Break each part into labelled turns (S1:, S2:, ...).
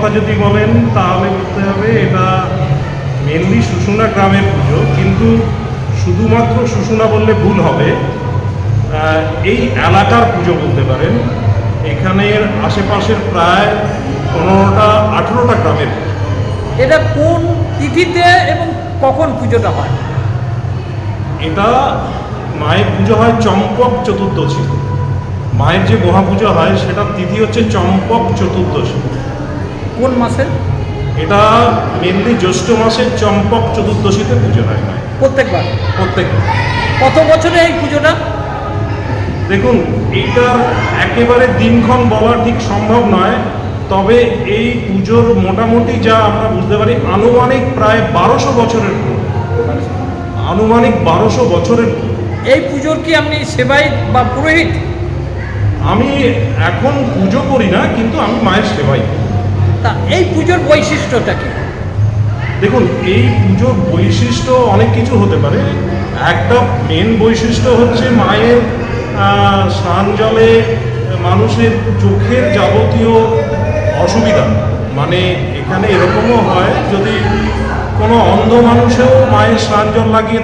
S1: কথা যদি বলেন তাহলে বলতে হবে এটা মেনলি শুশুনা গ্রামের পুজো, কিন্তু শুধুমাত্র শুশুনা বললে ভুল হবে। এই এলাকার পুজো বলতে পারেন। এখানের আশেপাশের প্রায় 15টা-18টা গ্রামের।
S2: এটা কোন তিথিতে এবং কখন পুজোটা হয়?
S1: এটা মায়ের পুজো হয় চম্পক চতুর্দশী। মায়ের যে মহাপুজো হয় সেটার তিথি হচ্ছে চম্পক চতুর্দশী।
S2: কোন মাসে?
S1: এটা মেনলি জ্যৈষ্ঠ মাসের চম্পক চতুর্দশীতে পুজো হয় মায়ের।
S2: প্রত্যেকবার?
S1: প্রত্যেকবার।
S2: কত বছরে এই পুজোটা?
S1: দেখুন, এইটার একেবারে দিনক্ষণ বলা ঠিক সম্ভব নয়, তবে এই পুজোর মোটামুটি যা আমরা বুঝতে পারি আনুমানিক প্রায় 1200 বছরের পুজো। আনুমানিক 1200 বছরের।
S2: এই পুজোর কি আপনি সেবায়িত বা পুরোহিত?
S1: আমি এখন পুজো করি না, কিন্তু আমি মায়ের সেবাই।
S2: তা এই পুজোর বৈশিষ্ট্যটা কি?
S1: দেখুন, এই পুজোর বৈশিষ্ট্য অনেক কিছু হতে পারে। একটা মেন বৈশিষ্ট্য হচ্ছে মায়ের স্নান জলে মানুষের চোখের যাবতীয় অসুবিধা, মানে এখানে এরকমও হয় যদি কোনো অন্ধ মানুষেও মায়ের স্নান জল লাগিয়ে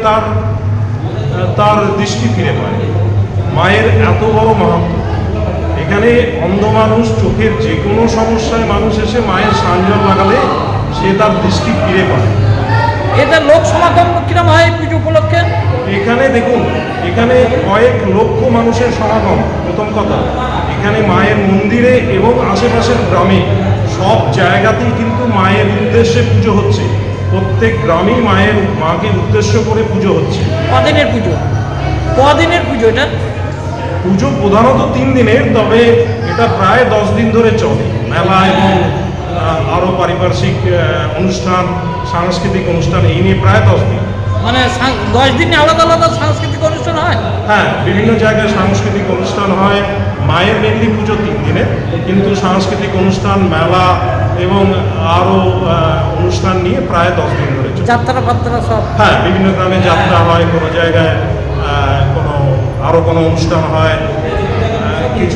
S1: তার দৃষ্টি ফিরে পায়। মায়ের এত বড় মাহাত্ম্য। এখানে অন্ধ মানুষ চোখের যে কোনো সমস্যায় মানুষ এসে মায়ের স্নান জল লাগালে সে তার দৃষ্টি ফিরে পায়।
S2: এটা লোক সমাগম কিরম হয় এই পুজো উপলক্ষে?
S1: এখানে দেখুন, এখানে কয়েক লক্ষ মানুষের সমাগম। প্রথম কথা, এখানে মায়ের মন্দিরে এবং আশেপাশের গ্রামে সব জায়গাতেই কিন্তু মায়ের উদ্দেশ্যে পুজো হচ্ছে। প্রত্যেক গ্রামেই মাকে উদ্দেশ্য করে পুজো হচ্ছে।
S2: কদিনের পুজো? কদিনের পুজো এটা?
S1: পুজো প্রধানত 3 দিনের, তবে এটা প্রায় 10 দিন ধরে চলে। মেলা এবং আরও পারিপার্শ্বিক অনুষ্ঠান, সাংস্কৃতিক অনুষ্ঠান, এই নিয়ে প্রায় 10 দিন।
S2: মানে 10 দিনে আলাদা আলাদা সাংস্কৃতিক অনুষ্ঠান হয়?
S1: হ্যাঁ, বিভিন্ন জায়গায় সাংস্কৃতিক অনুষ্ঠান হয়। মায়ের মেনলি পুজো 3 দিনের, কিন্তু সাংস্কৃতিক অনুষ্ঠান, মেলা এবং আরও অনুষ্ঠান নিয়ে প্রায় 10 দিন ধরে চলে।
S2: যাত্রা ফাত্রা সব?
S1: হ্যাঁ, বিভিন্ন গ্রামে যাত্রা হয়, কোনো জায়গায় কোনো অনুষ্ঠান হয়, কিছু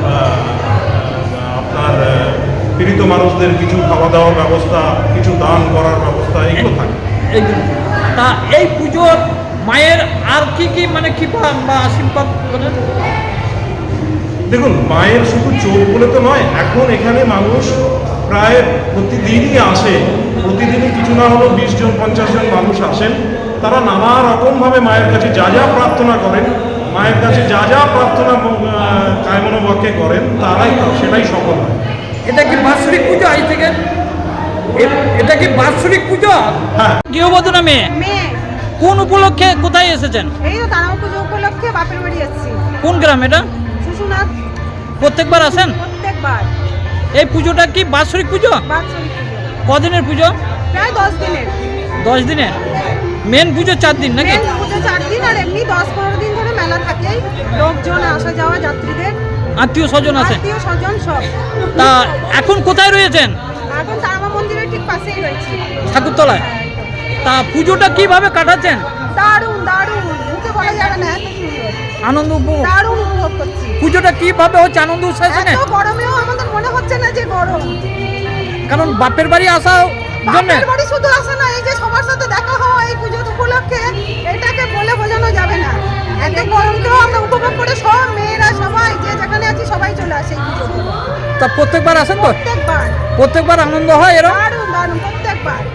S1: আপনার পীড়িত মানুষদের কিছু খাওয়া দাওয়ার ব্যবস্থা, কিছু দান করার ব্যবস্থা, এগুলো থাকে।
S2: এইগুলো। তা এই পুজোর মায়ের আর কি মানে কৃপা বা আশীর্বাদ করেন?
S1: দেখুন, মায়ের শুধু চোখ বলে তো নয়, এখন এখানে মানুষ প্রায় প্রতিদিনই আসে। প্রতিদিনই কিছু না হলেও 20 জন 50 জন মানুষ আসেন। তারা নানা রকমভাবে মায়ের কাছে যা যা প্রার্থনা করেন, মায়ের কাছে যা যা প্রার্থনা কায়মনোবাক্যে করেন, সেটাই সফল হয়।
S2: এটা কি বাৎসরিক পুজো আজ থেকে? এটা কি বাৎসরিক পুজো?
S1: হ্যাঁ।
S2: গৃহবধূ না মেয়ে?
S3: মেয়ে।
S2: কোন উপলক্ষে কোথায় এসেছেন?
S3: এই তো তারাও পুজো উপলক্ষে বাপের বাড়ি যাচ্ছি।
S2: কোন গ্রাম এটা?
S3: শুশুনাথ।
S2: প্রত্যেকবার আসেন?
S3: প্রত্যেকবার।
S2: এই পুজোটা কি বাৎসরিক পুজো?
S3: বাৎসরিক পুজো।
S2: কদিনের পুজো?
S3: প্রায় 10 দিনের।
S2: 10 দিনের? মেন পুজো 4 দিন নাকি?
S3: মেন পুজো 4 দিন, আর এমনি 10-15 দিন ধরে মেলা থাকেই। লোকজন আসা যাওয়া, যাত্রীদের,
S2: আত্মীয় স্বজন আছে?
S3: আত্মীয় স্বজন সব।
S2: তা এখন কোথায় রয়েছেন?
S3: এখন তারামা মন্দিরের ঠিক পাশেই রয়েছে।
S2: ঠাকুরতলায়? তা পুজোটা কিভাবে কাটাচ্ছেন?
S3: দারুণ দারুণ, মুখে বলা যাবে না, এত সুন্দর।
S2: আনন্দ উপভোগ?
S3: দারুণ উপভোগ করছি।
S2: পুজোটা কিভাবে হচ্ছে আনন্দ উৎসাহের সঙ্গে?
S3: এত গরমেও আমাদের মনে হচ্ছে না যে গরম।
S2: কারণ বাপের বাড়ি আসা জন্য?
S3: বাপের বাড়ি শুধু আসা না, এই যে সবার সাথে দেখা হওয়া এই পুজো উপলক্ষে, এটাকে বলে বোঝানো যাবে না। এত গরমকেও আমরা উপভোগ করে সব মেয়েরা সবাই যে যেখানে আছি সবাই চলে আসে এই পুজো।
S2: তা প্রত্যেকবার আসেন তো?
S3: প্রত্যেকবার।
S2: প্রত্যেকবার আনন্দ হয় এরকম?
S3: দারুণ দারুণ, প্রত্যেকবার।